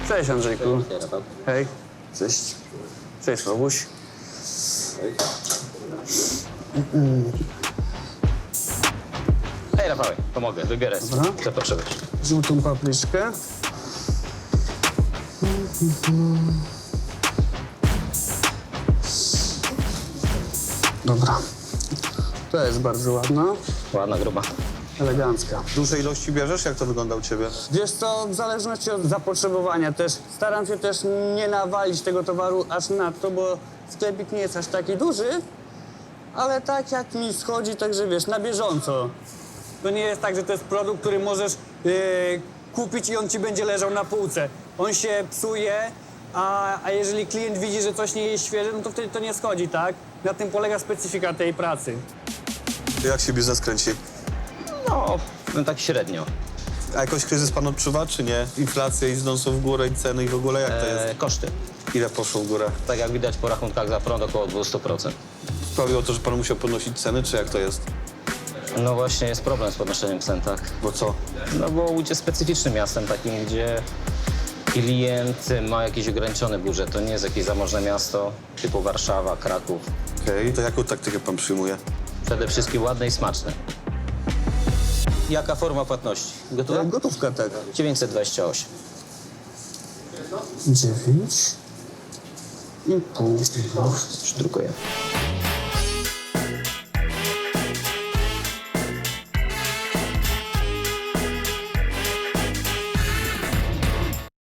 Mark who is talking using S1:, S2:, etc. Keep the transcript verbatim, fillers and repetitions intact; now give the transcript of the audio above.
S1: Cześć Andrzejku.
S2: Cześć, Rafał.
S1: Hej. Cześć. Cześć Robuś.
S2: Hej, Rafał, pomogę, wybieraj sobie,
S1: Dobra.
S2: co potrzebujesz.
S1: Żółtą papryczkę. Dobra. To jest bardzo ładna,
S2: Ładna, gruba.
S1: elegancka.
S3: Duże ilości bierzesz? Jak to wygląda u ciebie?
S1: Wiesz co, w zależności od zapotrzebowania też staram się też nie nawalić tego towaru aż nadto, bo sklepik nie jest aż taki duży, ale tak jak mi schodzi, także wiesz, na bieżąco. To nie jest tak, że to jest produkt, który możesz yy, kupić i on ci będzie leżał na półce. On się psuje, a, a jeżeli klient widzi, że coś nie jest świeże, no to wtedy to nie schodzi, tak? Na tym polega specyfika tej pracy.
S3: Jak się biznes kręci?
S2: No, no tak średnio.
S3: A jakoś kryzys pan odczuwa, czy nie? Inflacja idącą w górę i ceny i w ogóle jak to
S2: E,
S3: jest?
S2: koszty.
S3: Ile poszło w górę?
S2: Tak jak widać po rachunkach za prąd około dwieście procent.
S3: Sprawiło to, że pan musiał podnosić ceny, czy jak to jest?
S2: No właśnie jest problem z podnoszeniem cen, tak?
S3: Bo co?
S2: No bo Łódź jest specyficznym miastem takim, gdzie klient ma jakiś ograniczony budżet. To nie jest jakieś zamożne miasto typu Warszawa, Kraków.
S3: Okej, to jaką taktykę pan przyjmuje?
S2: Przede wszystkim ładne i smaczne. Jaka forma płatności? Gotowa?
S1: Gotówka tak.
S2: dziewięćset dwadzieścia osiem.
S1: Dziewięć i pół.
S2: Drukujemy.